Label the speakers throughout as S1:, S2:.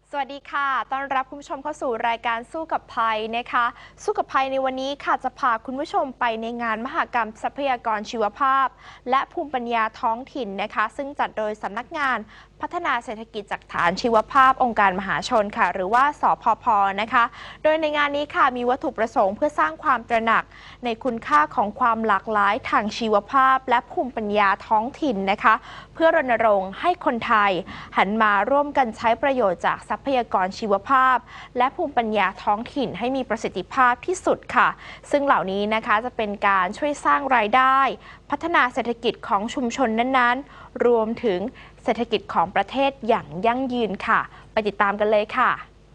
S1: สวัสดีค่ะต้อนรับคุณผู้ชมเข้าสู่รายการสู้กับภัยนะคะสู้กับภัยในวันนี้ค่ะจะพาคุณผู้ชมไปในงานมหกรรมทรัพยากรชีวภาพและภูมิปัญญาท้องถิ่นนะคะซึ่งจัดโดยสำนักงานพัฒนาเศรษฐกิจจากฐานชีวภาพองค์การมหาชนค่ะหรือว่าสพพ.นะคะโดยในงานนี้ค่ะมีวัตถุประสงค์เพื่อสร้างความตระหนักในคุณค่าของความหลากหลายทางชีวภาพและภูมิปัญญาท้องถิ่นนะคะเพื่อรณรงค์ให้คนไทยหันมาร่วมกันใช้ประโยชน์จากทรัพยากรชีวภาพและภูมิปัญญาท้องถิ่นให้มีประสิทธิภาพที่สุดค่ะซึ่งเหล่านี้นะคะจะเป็นการช่วยสร้างรายได้พัฒนาเศรษฐกิจของชุมชนนั้นๆรวมถึงเศรษฐกิจของประเทศอย่างยั่งยืนค่ะไปติดตามกันเลยค่ะ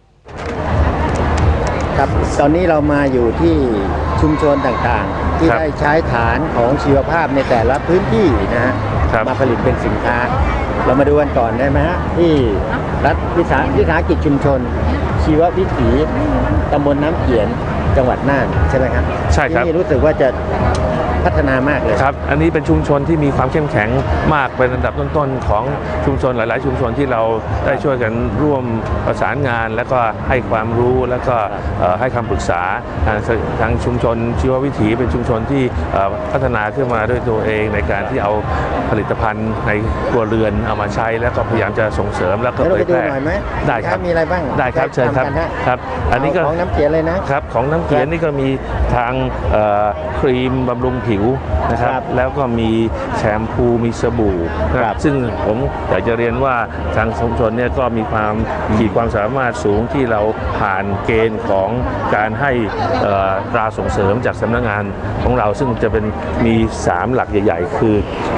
S2: ครับตอนนี้เรามาอยู่ที่ชุมชนต่างๆที่ได้ใช้ฐานของชีวภาพในแต่ละพื้นที่นะฮะมาผลิตเป็นสินค้าเรามาดูกันก่อนได้ไหมฮะที่รัฐวิสาหกิจชุมชนชีววิถีตำบลน้ำเขียนจังหวัดน่านใช่ไหมครับ
S3: ใช่ครับ
S2: ที่นี่รู้สึกว่าจะพัฒนามากเลย
S3: ครับอันนี้เป็นชุมชนที่มีความเข้มแข็งมากเป็นอันดับต้นๆของชุมชนหลายๆชุมชนที่เราได้ช่วยกันร่วมประสานงานแล้วก็ให้ความรู้แล้วก็ให้คำปรึกษาทางชุมชนชีววิถีเป็นชุมชนที่พัฒนาขึ้นมาด้วยตัวเองในการที่เอาผลิตภัณฑ์ในครัวเรือนเอามาใช้แล้วก็พยายามจะส่งเสริมแล้วก็เผยแพร่ได้ครับ
S2: มีอะไรบ้าง
S3: ได้ครับเชิญครับครับอันนี้ก็
S2: ของน้ำเขียนเลยนะครับ
S3: ของน้ำเขียนนี่ก็มีทางครีมบำรุงผิวนะครับแล้วก็มีแชมพูมีสบู่นะครับซึ่งผมอยากจะเรียนว่าทางชุมชนเนี่ยก็มีขีดความสามารถสูงที่เราผ่านเกณฑ์ของการให้ตราส่งเสริมจากสำนักงานของเราซึ่งจะเป็นมี3หลักใหญ่ๆคือ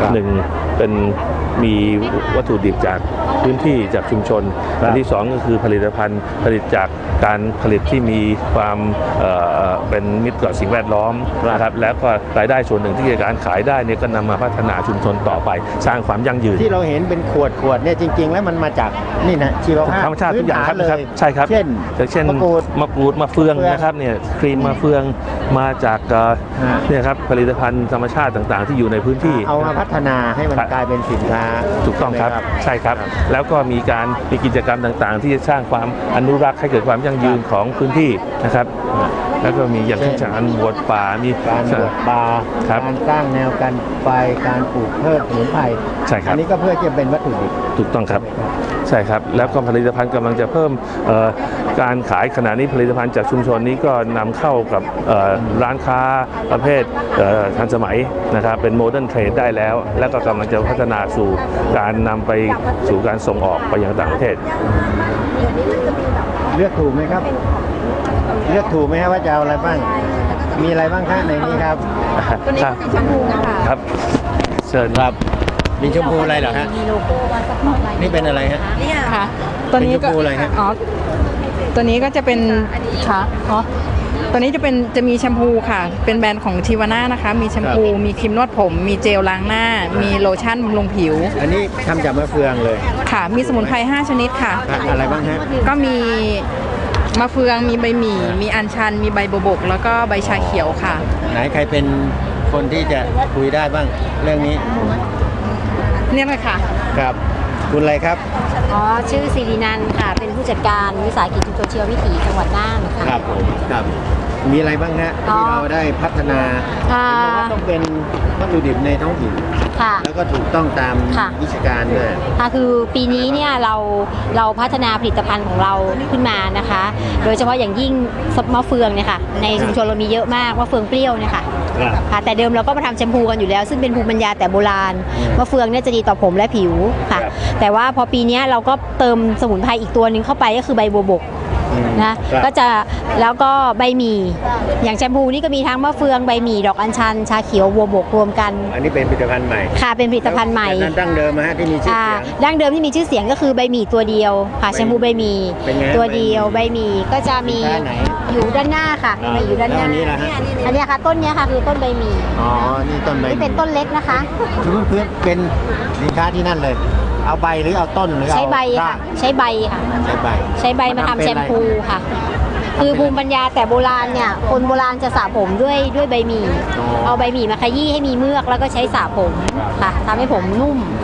S3: 1เป็นมีวัตถุดิบจากพื้นที่จากชุมชนอันที่2ก็คือผลิตภัณฑ์ผลิตจากการผลิตที่มีความเป็นมิตรต่อสิ่งแวดล้อมนะครับแล้วก็รายได้ส่วนหนึ่งที่การขายได้เนี่ยก็นำมาพัฒนาชุมชนต่อไปสร้างความยั่งยืน
S2: ที่เราเห็นเป็นขวดเนี่ยจริงๆแล้วมันมาจากนี่นะชีวภาพ
S3: ธรรมชาติทุกอย่างครับใช่ครับ
S2: เช่นมะกรูด
S3: มะเฟืองนะครับเนี่ยครีมมะเฟืองมาจากเนี่ยครับผลิตภัณฑ์ธรรมชาติต่างๆที่อยู่ในพื้นที่
S2: เอามาพัฒนาให้มันกลายเป็นสินค้า
S3: ถูกต้องครับใช่ครับแล้วก็มีกิจกรรมต่างๆที่จะสร้างความอนุรักษ์ให้เกิดความยั่งยืนของพื้นที่นะครับแล้วก็มีอย่างเช่นการบวชป่ามี
S2: การบวชป่าการสร้างแนวกันไฟการปลูกเพิ่มสมุนไพร
S3: ใช่ครับ
S2: อันนี้ก็เพื่อจะเป็นวัตถุดิบ
S3: ถูกต้องครับใช่ครับแล้วก็ผลิตภัณฑ์กำลังจะเพิ่มการขายขณะนี้ผลิตภัณฑ์จากชุมชนนี้ก็นำเข้ากับร้านค้าประเภททันสมัยนะครับเป็นโมเดิร์นเทรดได้แล้วแล้วก็กำลังจะพัฒนาสู่การนำไปสู่การส่งออกไปยังต่างประเทศ
S2: เลือกถูกไหมครับเลือกถูกไหมครับว่าจะเอาอะไรบ้างมีอะไรบ้างคะในนี้ครับ
S1: ตัวนี้เป็นแชมพูนะคะ
S3: ครับเชิญครับ
S2: มีชมพูอะไรเหรอฮะ
S1: มีโลโก้ว่าสปอร์ตไลท์
S2: นี่เป็นอะไรฮะ
S1: นี่ค่ะ
S2: ตัวนี้ก็อะไรฮะ
S4: อ๋อตัวนี้ก็จะเป็นค่ะอ๋อตัวนี้จะมีแชมพูค่ะเป็นแบรนด์ของทิวาน่านะคะมีแชมพูมีครีมนวดผมมีเจลล้างหน้ามีโลชั่นบำรุงผิว
S2: อันนี้ทำจากมะเฟืองเลย
S4: ค่ะมีสมุนไพร5ชนิดค่ะ
S2: อะไรบ้างฮะ
S4: ก็มีมะเฟืองมีใบหมี่มีอัญชันมีใบบัวบกแล้วก็ใบชาเขียวค่ะ
S2: ไหนใครเป็นคนที่จะคุยได้บ้างเรื่องนี้
S4: เนี่ยเลยค่ะ
S2: ครับคุณอะไรครับ
S5: อ๋อชื่อศิรินันท์ค่ะเป็นผู้จัดการวิสาหกิจชุมชนชีววิถีจังหวัดน่านค่ะ
S2: ครับผมครับมีอะไรบ้างฮะที่เราได้พัฒนาเห็นว่าต้องเป็นวัตถุดิบในท้องถิ่นแล้วก็ถูกต้องตามวิชาการด้วย
S5: ค่ะคือปีนี้เนี่ยเราพัฒนาผลิตภัณฑ์ของเราขึ้นมานะคะโดยเฉพาะอย่างยิ่งมะเฟืองเนี่ยค่ะในชุมชนเรามีเยอะมากมะเฟืองเปรี้ยวเนี่ยค่ะแต่เดิมเราก็มาทำแชมพูกันอยู่แล้วซึ่งเป็นภูมิปัญญาแต่โบราณมะเฟืองเนี่ยจะดีต่อผมและผิวค่ะแต่ว่าพอปีนี้เราก็เติมสมุนไพรอีกตัวนึงเข้าไปก็คือใบบัวบกนะก็จะแล้วก็ใบหมี่อย่างแชมพูนี่ก็มีทั้งมะเฟืองใบหมี่ดอกอัญชันชาเขียวบัวบกรวมกัน
S2: อันนี้เป็นผลิตภัณฑ์ใหม่
S5: ค่ะเป็นผลิตภัณฑ์ใหม่
S2: ดั้งเดิมฮะที่มีชื่อเสียง
S5: ดั้งเดิมที่มีชื่อเสียงก็คือใบหมี่ตัวเดียวค่ะแชมพูใบหมี่ตัวเดียวใบหมี่ก็จะมีอยู่ด้านหน้าค่ะอยู่ด้านหน้าอันนี้ค่ะต้นนี้ค่ะคือต้นใบหมี่
S2: อ๋อนี่ต้นใบ
S5: นี่เป็นต้นเล็กนะคะ
S2: เพื่อนเป็นสินค้าที่นั่นเลยเอาใบหรือเอาต้นหรือ
S5: ใช้ใบค่ะใช้ใบค่ะใช้ใบมาทำแชมพูค่ะคือภูมิปัญญาแต่โบราณเนี่ยคนโบราณจะสระผมด้วยใบหมี่เอาใบหมี่มาขยี้ให้มีเมือกแล้วก็ใช้สระผมค่ะทำให้ผมนุ่ม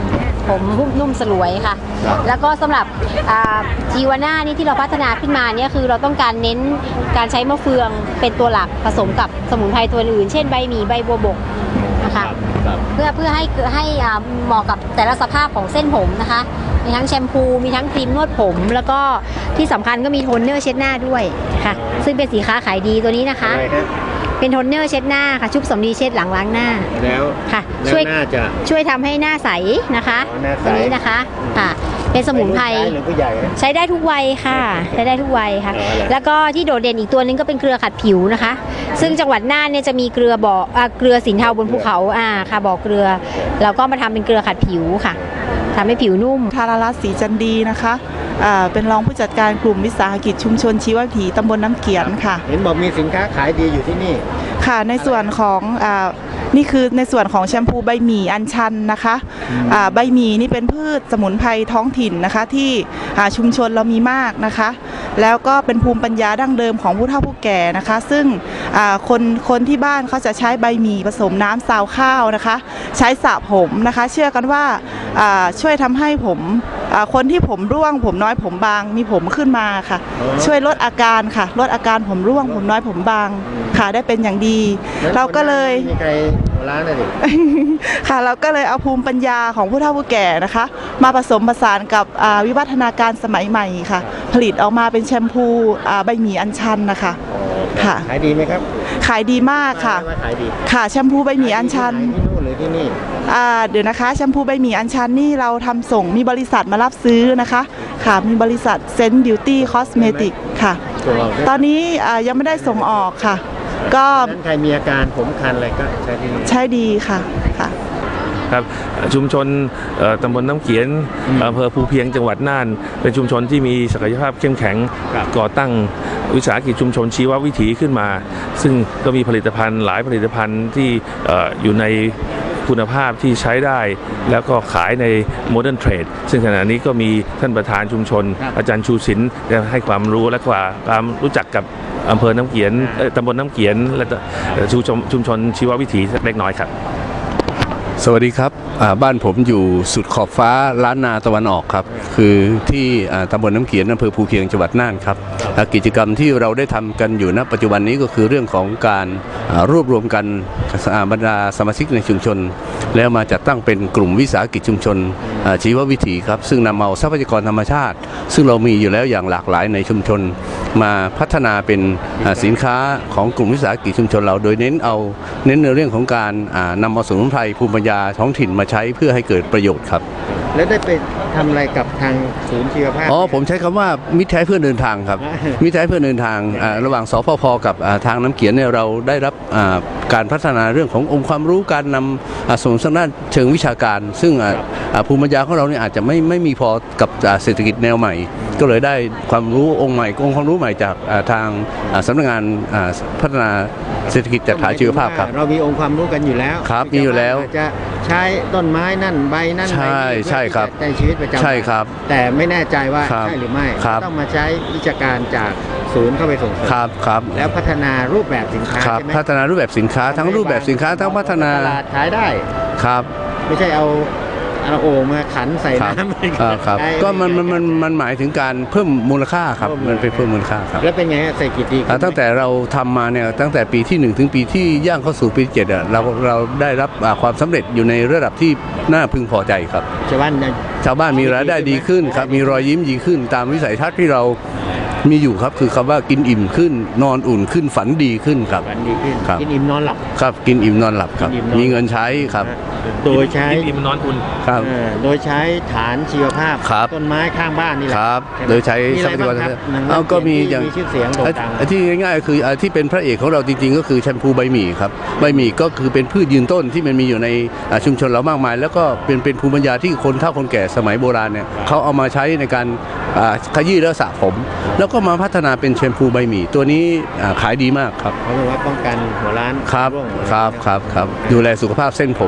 S5: ผมนุ่มสลวยค่ะ แล้วก็สำหรับจีวาน่านี่ที่เราพัฒนาขึ้นมาเนี่ยคือเราต้องการเน้นการใช้มะเฟืองเป็นตัวหลักผสมกับสมุนไพรตัวอื่นเช่นใบหมี่ใบบัวบกนะคะเพื่อให้เหมาะกับแต่ละสภาพของเส้นผมนะคะมีทั้งแชมพูมีทั้งครีมนวดผม แล้วก็ที่สำคัญก็มีโทนเนอร์เช็ดหน้าด้วยค่ะซึ่งเป็นสินค้าขายดีตัวนี้นะคะเป็นโทนเนอร์เช็ดหน้าค่ะชุบสำลีเช็ดหลังล้างหน้า
S2: แล้ว
S5: ค่ะช่วยทำให้หน้าใสนะคะตัวนี้นะคะค่ะเป็นสมุนไพรใช้ได้ทุกวัยค่ะใช้ได้ทุกวัยค่ะแล้วก็ที่โดดเด่นอีกตัวนึงก็เป็นเกลือขัดผิวนะคะซึ่งจังหวัดน่านเนี่ยจะมีเกลือสินเทาบนภูเขาค่ะบ่อเกลือแล้วก็มาทำเป็นเกลือขัดผิวค่ะทำให้ผิวนุ่ม
S6: ธารรัตน์ศรีจันดีนะคะเป็นรองผู้จัดการกลุ่มวิสาหกิจชุมชนชีววิถีตำบลน้ำเกียนค่ะ
S2: เห็นบอกมีสินค้าขายดีอยู่ที่นี่
S6: ค่ะในส่วนของนี่คือในส่วนของแชมพูใบหมี่อัญชันนะคะใบหมี่นี่เป็นพืชสมุนไพรท้องถิ่นนะคะที่ชุมชนเรามีมากนะคะแล้วก็เป็นภูมิปัญญาดั้งเดิมของผู้เฒ่าผู้แก่นะคะซึ่งคนที่บ้านเขาจะใช้ใบหมี่ผสมน้ำซาวข้าวนะคะใช้สระผมนะคะเชื่อกันว่าช่วยทำให้ผมคนที่ผมร่วงผมน้อยผมบางมีผมขึ้นมาค่ะช่วยลดอาการค่ะลดอาการผมร่วงผมน้อยผมบางค่ะได้เป็นอย่างดีเราก็เลย
S2: มีใครร้านอะไร
S6: ค่ะเราก็เลยเอาภูมิปัญญาของผู้เฒ่าผู้แก่นะคะมาผสมผสานกับวิวัฒนาการสมัยใหม่ค่ะผลิตออกมาเป็นแชมพูใบหมี่อัญชันนะคะค่ะ
S2: ขายดีไหมครับ
S6: ขายดีมากค่ะค่ะแชมพูใบหมี่อัญชัน
S2: ที่นู่นหรือที่นี่
S6: เดี๋ยวนะคะแชมพูใบหมี่อัญชันนี่เราทำส่งมีบริษัทมารับซื้อนะคะค่ะมีบริษัทเซนต์บิวตี้คอสเมติกค่ะตอนนี้ยังไม่ได้ส่งออกค่ะก็
S2: ใครมีอาการผมคันอะไรก็
S6: ใช้ดีค่ะค่ะ
S3: ครับชุมชนตำบลน้ำเขียนอำเภอภูเพียงจังหวัดน่านเป็นชุมชนที่มีศักยภาพเข้มแข็งก่อตั้งวิสาหกิจชุมชนชีววิถีขึ้นมาซึ่งก็มีผลิตภัณฑ์หลายผลิตภัณฑ์ที่อยู่ในคุณภาพที่ใช้ได้แล้วก็ขายในโมเดิร์นเทรดซึ่งขณะนี้ก็มีท่านประธานชุมชนอาจารย์ชูศิลป์ได้ให้ความรู้และความรู้จักกับอำเภอน้ำเขียนตำบลน้ำเขียนและชุมชนชีววิถีเล็กน้อยครับ
S7: สวัสดีครับบ้านผมอยู่สุดขอบฟ้าล้านนาตะวันออกครับคือที่ตำบลน้ำเขียนอำเภอภูเพียงจังหวัดน่านครับกิจกรรมที่เราได้ทำกันอยู่ณปัจจุบันนี้ก็คือเรื่องของการรวบรวมกันบรรดาสมาชิกในชุมชนแล้วมาจัดตั้งเป็นกลุ่มวิสาหกิจชุมชนชีววิถีครับซึ่งนำเอาทรัพยากรธรรมชาติซึ่งเรามีอยู่แล้วอย่างหลากหลายในชุมชนมาพัฒนาเป็นสินค้าของกลุ่มวิสาหกิจชุมชนเราโดยเน้นในเรื่องของการนำเอาสมุนไพรภูมิปัญญาท้องถิ่นมาใช้เพื่อให้เกิดประโยชน์ครับ
S2: แล้วได้ไปทำอะไรกับทางศูนย์ชีวภาพ
S7: ผมใช้คำว่ามิตรแท้เพื่อเดินทางครับมิตรแท้เพื่อเดินทางระหว่างสพพกับทางน้ำเขียนเนี่ยเราได้รับการพัฒนาเรื่องขององค์ความรู้การนำส่งทางด้านเชิงวิชาการซึ่งภูมิปัญญาของเราเนี่ยอาจจะไม่มีพอกับเศรษฐกิจแนวใหม่ก็เลยได้ความรู้องค์ความรู้ใหม่จากทางสำนักงานพัฒนาเศรษฐกิจจัดหาชีวภาพครับ
S2: เรามีองค์ความรู้กันอยู่แล้ว
S7: ครับมีอยู่แล้ว
S2: จะใช้ต้นไม้นั่นใบนั่น
S7: ใช่ครับ
S2: ในชีวิตประจำวัน
S7: ใช่ครับ
S2: แต่ไม่แน่ใจว่าใช่หรือไม่ต้องมาใช้วิชาการจากศูนย์เข้าไปส่งเสริม
S7: ครับ
S2: แล้วพัฒนารูปแบบสินค้าใช่ไหม
S7: พัฒนารูปแบบสินค้าทั้งรูปแบบสินค้าทั้งพัฒนา
S2: ตลาดขายได้
S7: ครับ
S2: ไม่ใช่เอาโอ่งมาขันใส่น้
S7: ำครับก็มันหมายถึงการเพิ่มมูลค่าครับมันไปเพิ่มมูลค่าครับ
S2: แล้วเป็นไงเศรษฐกิจดี
S7: ตั้งแต่เราทำมาเนี่ยตั้งแต่ปีที่1ถึงปีที่ย่างเข้าสู่ปี7เราได้รับความสำเร็จอยู่ในระดับที่น่าพึงพอใจครับ
S2: ชาว
S7: บ้านมีรายได้ดีขึ้นครับมีรอยยิ้มดีขึ้นตามวิสัยทัศน์ที่เรามีอยู่ครับคือคำว่ากินอิ่มขึ้นนอนอุ่นขึ้นฝันดีขึ้นครับ
S2: ฝันดีขึ้นกินอิ่มนอนหลับ
S7: ครับกินอิ่มนอนหลับครับมีเงินใช้ครับ
S2: โดยใช้
S3: กินอิ่มนอนอุ่น
S7: ครับ
S2: โดยใช้ฐานชีวภาพต้นไม้ข้างบ้านนี่แหละ
S7: ครับโดยใช้ทรัพยากรก็มีอย่าง
S2: ชื่อเสียงโด่งดัง
S7: ที่ง่ายๆคือที่เป็นพระเอกของเราจริงๆก็คือแชมพูใบหมี่ครับใบหมี่ก็คือเป็นพืชยืนต้นที่มันมีอยู่ในชุมชนเรามากมายแล้วก็เป็นภูมิปัญญาที่คนเฒ่าคนแก่สมัยโบราณเนี่ยเขาเอามาใช้ในการขยี้และสระผมแล้วก็มาพัฒนาเป็นแชมพูใบหมี่ตัวนี้ขายดีมากครับ
S2: เขาบอกว่าป้องกันหัวล้าน
S7: ครับดูแลสุขภาพเส้นผม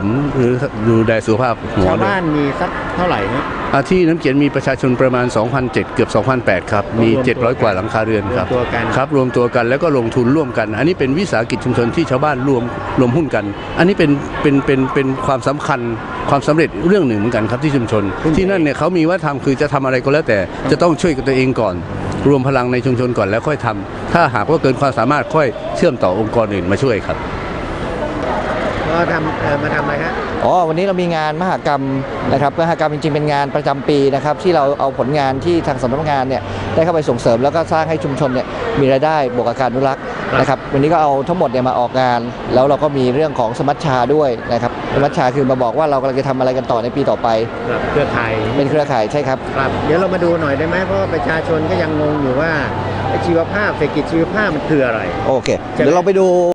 S7: ดูแลสุขภาพหัว
S2: ชาว
S7: ด้วย
S2: บ้านมีสักเท่าไหร่ฮะ
S7: ที่น้ำเขียนมีประชาชนประมาณ 2,007 เกือบ 2,008 ครับ มี 700 กว่าหลังคาเรือนครับ
S2: รวมตัวกัน
S7: ครับรวมตัวกันแล้วก็ลงทุนร่วมกัน อันนี้เป็นวิสาหกิจชุมชนที่ชาวบ้านรวมหุ้นกัน อันนี้เป็นความสำคัญความสำเร็จเรื่องหนึ่งเหมือนกันครับที่ชุมชน ที่นั่นเนี่ยเขามีว่าทำคือจะทำอะไรก็แล้วแต่จะต้องช่วยกับตัวเองก่อน รวมพลังในชุมชนก่อนแล้วค่อยทำถ้าหากว่าเกินความสามารถค่อยเชื่อมต่อองค์กรอื่นมาช่วยครับ
S2: ก็มาทำอะไรฮะ
S8: วันนี้เรามีงานมหกรรมนะครับมหกรรมจริงๆเป็นงานประจำปีนะครับที่เราเอาผลงานที่ทางสำนักงานเนี่ยได้เข้าไปส่งเสริมแล้วก็สร้างให้ชุมชนเนี่ยมีรายได้บวกกับการอนุรักษ์นะครับวันนี้ก็เอาทั้งหมดเนี่ยมาออกงานแล้วเราก็มีเรื่องของสมัชชาด้วยนะครับสมัชชาคือมาบอกว่าเรากำลังจะทำอะไรกันต่อในปีต่อไป
S2: เครือข่าย
S8: เป็นเครือข่ายใช่ครับ
S2: ครับเดี๋ยวเรามาดูหน่อยได้ไหมเพราะว่าประชาชนก็ยังงงอยู่ว่าไอ้ชีวภาพเศรษฐกิจชีวภาพมันคืออะไร
S8: โอเคเดี๋ยวเราไปดู